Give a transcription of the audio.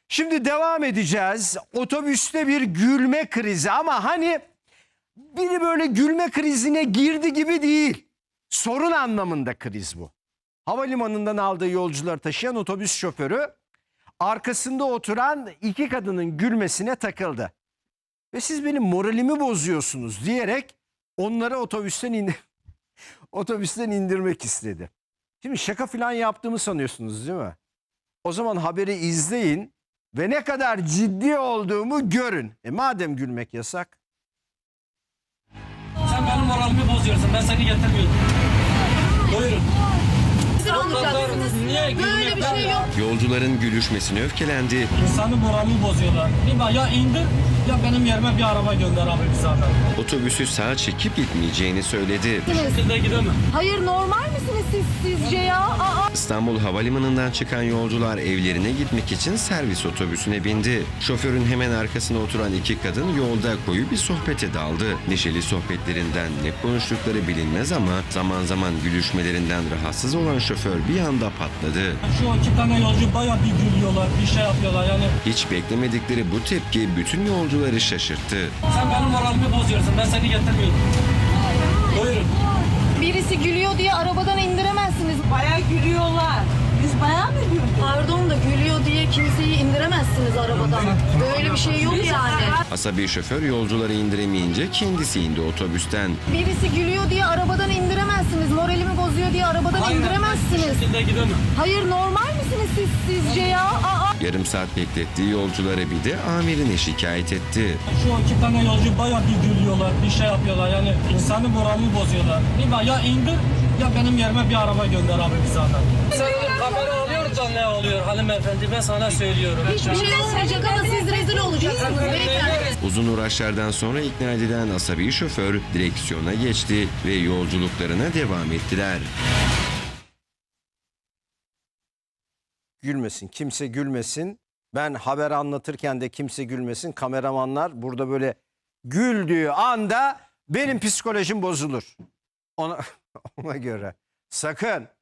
Şimdi devam edeceğiz. Otobüste bir gülme krizi ama hani biri böyle gülme krizine girdi gibi değil. Sorun anlamında kriz bu. Havalimanından aldığı yolcuları taşıyan otobüs şoförü arkasında oturan iki kadının gülmesine takıldı. Ve siz benim moralimi bozuyorsunuz diyerek onları otobüsten indirmek istedi. Şimdi şaka falan yaptığımı sanıyorsunuz değil mi? O zaman haberi izleyin ve ne kadar ciddi olduğumu görün. Madem gülmek yasak. Sen benim moralimi bozuyorsun. Ben seni getirmiyordum. Buyurun. Olacaksınız. Niye Böyle bir şey yok. Yolcuların gülüşmesine öfkelendi. İnsanın moralini bozuyorlar. Ya indir ya benim yerime bir araba gönder abi bir zaten. Otobüsü sağa çekip gitmeyeceğini söyledi. Bu şekilde gidemem. Hayır, normal misiniz siz sizce ya? Aa. İstanbul Havalimanı'ndan çıkan yolcular evlerine gitmek için servis otobüsüne bindi. Şoförün hemen arkasına oturan iki kadın yolda koyu bir sohbete daldı. Neşeli sohbetlerinden ne konuştukları bilinmez ama zaman zaman gülüşmelerinden rahatsız olan şoför bir anda patladı. Şu iki tane yolcu baya bir gülüyorlar, bir şey yapıyorlar yani. Hiç beklemedikleri bu tepki bütün yolcuları şaşırttı. Sen benim moralimi bozuyorsun. Ben seni getirmiyordum. Buyurun. Birisi gülüyor diye arabadan indiremezsiniz. Bayağı gülüyorlar. Biz bayağı mı güldük? Pardon da gülüyor diye kimseyi indiremezsiniz arabadan. Böyle bir şey yok yani. Asabi şoför yolcuları indiremeyince kendisi indi otobüsten. Birisi gülüyor diye arabadan indiremezsiniz. Moralimi bozuyor diye arabadan Bu indiremezsiniz. şekilde gidemem. Hayır, normal misiniz siz sizce ya? Aa. Yarım saat beklettiği yolcuları bir de amirine şikayet etti. Şu iki tane yolcu baya bir gülüyorlar, bir şey yapıyorlar yani. İnsanın moralini bozuyorlar. Ya indir ya benim yerime bir araba gönder abi bir zaten. Sen kamera alıyor da ne oluyor hanımefendi, ben sana söylüyorum. Hiçbir şey olmayacak ama siz rezil olacaksınız beyefendi. Uzun uğraşlardan sonra ikna edilen asabi şoför direksiyona geçti ve yolculuklarına devam ettiler. Gülmesin, kimse gülmesin. Ben haber anlatırken de kimse gülmesin. Kameramanlar burada böyle güldüğü anda benim psikolojim bozulur. Ona göre sakın